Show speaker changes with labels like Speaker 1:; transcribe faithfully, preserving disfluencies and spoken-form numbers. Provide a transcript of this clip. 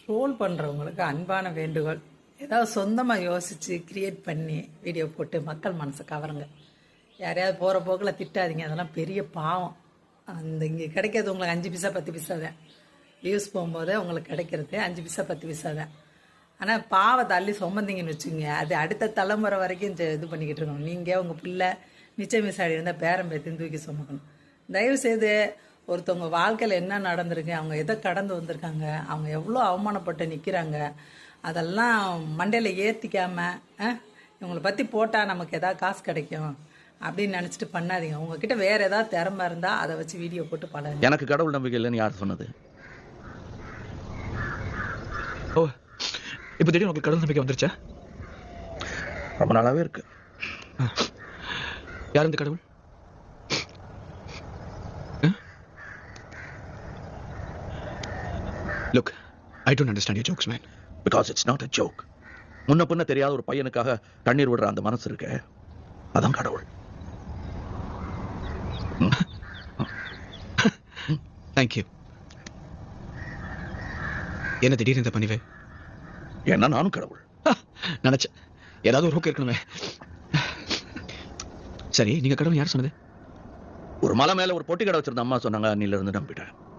Speaker 1: Troll பண்ணுறவங்களுக்கு அன்பான வேண்டுகோள், ஏதாவது சொந்தமாக யோசித்து கிரியேட் பண்ணி வீடியோ போட்டு மக்கள் மனசை கவருங்க. யாரையாவது போகிற போக்கில் திட்டாதீங்க, அதெல்லாம் பெரிய பாவம். அந்த இங்கே கிடைக்கிறது உங்களுக்கு அஞ்சு பைசா பத்து பைசா தான். வியூஸ் போகும்போது உங்களுக்கு கிடைக்கிறது அஞ்சு பைசா பத்து பைசா தான். ஆனால் பாவத்தை அள்ளி சுமந்தீங்கன்னு வச்சுங்க, அது அடுத்த தலைமுறை வரைக்கும் இது பண்ணிக்கிட்டு இருக்கணும். நீங்கள் உங்கள் பிள்ளை மிச்சம் மிசாடி இருந்தால் பேரம் பேத்தின்னு தூக்கி சுமக்கணும். தயவுசெய்து ஒருத்தவங்க வாழ்க்கையில் என்ன நடந்திருக்கு, அவங்க எதை கடந்து வந்திருக்காங்க, அவங்க எவ்வளோ அவமானப்பட்டு நிற்கிறாங்க, அதெல்லாம் மண்டையில் ஏற்றிக்காமல் இவங்களை பற்றி போட்டால் நமக்கு எதாவது காசு கிடைக்கும் அப்படின்னு நினச்சிட்டு பண்ணாதீங்க. உங்ககிட்ட வேறு ஏதாவது திறமை இருந்தால் அதை வச்சு வீடியோ போட்டு பழகுங்க.
Speaker 2: எனக்கு கடவுள் நம்பிக்கை இல்லைன்னு யார் சொன்னது?
Speaker 3: ஓ, இப்போ திடீர்னு உங்களுக்கு கடவுள் நம்பிக்கை வந்துருச்சா?
Speaker 2: ரொம்ப நாளாவே இருக்கு.
Speaker 3: யார் இந்த கடவுள்? Look, I don't understand your jokes man.
Speaker 2: Because it's not a joke. முன்ன பின்ன தெரியாத ஒரு பையனுக்காக கண்ணீர் விடுற அந்த மனசு இருக்கு, அதான் கடவுள்.
Speaker 3: தேங்க்யூ. என்ன திடீர்னு இந்த பணிவே?
Speaker 2: ஏன்னா நானும் கடவுள்.
Speaker 3: நினைச்சேன் ஏதாவது ஒரு ஹோக் இருக்கணுமே. சரி, நீங்க கடவுள் யார் சொன்னது?
Speaker 2: ஒரு மலை மேல ஒரு பொட்டி கடை வச்சிருந்த அம்மா சொன்னாங்க, அன்னில இருந்து நம்பிட்டேன்.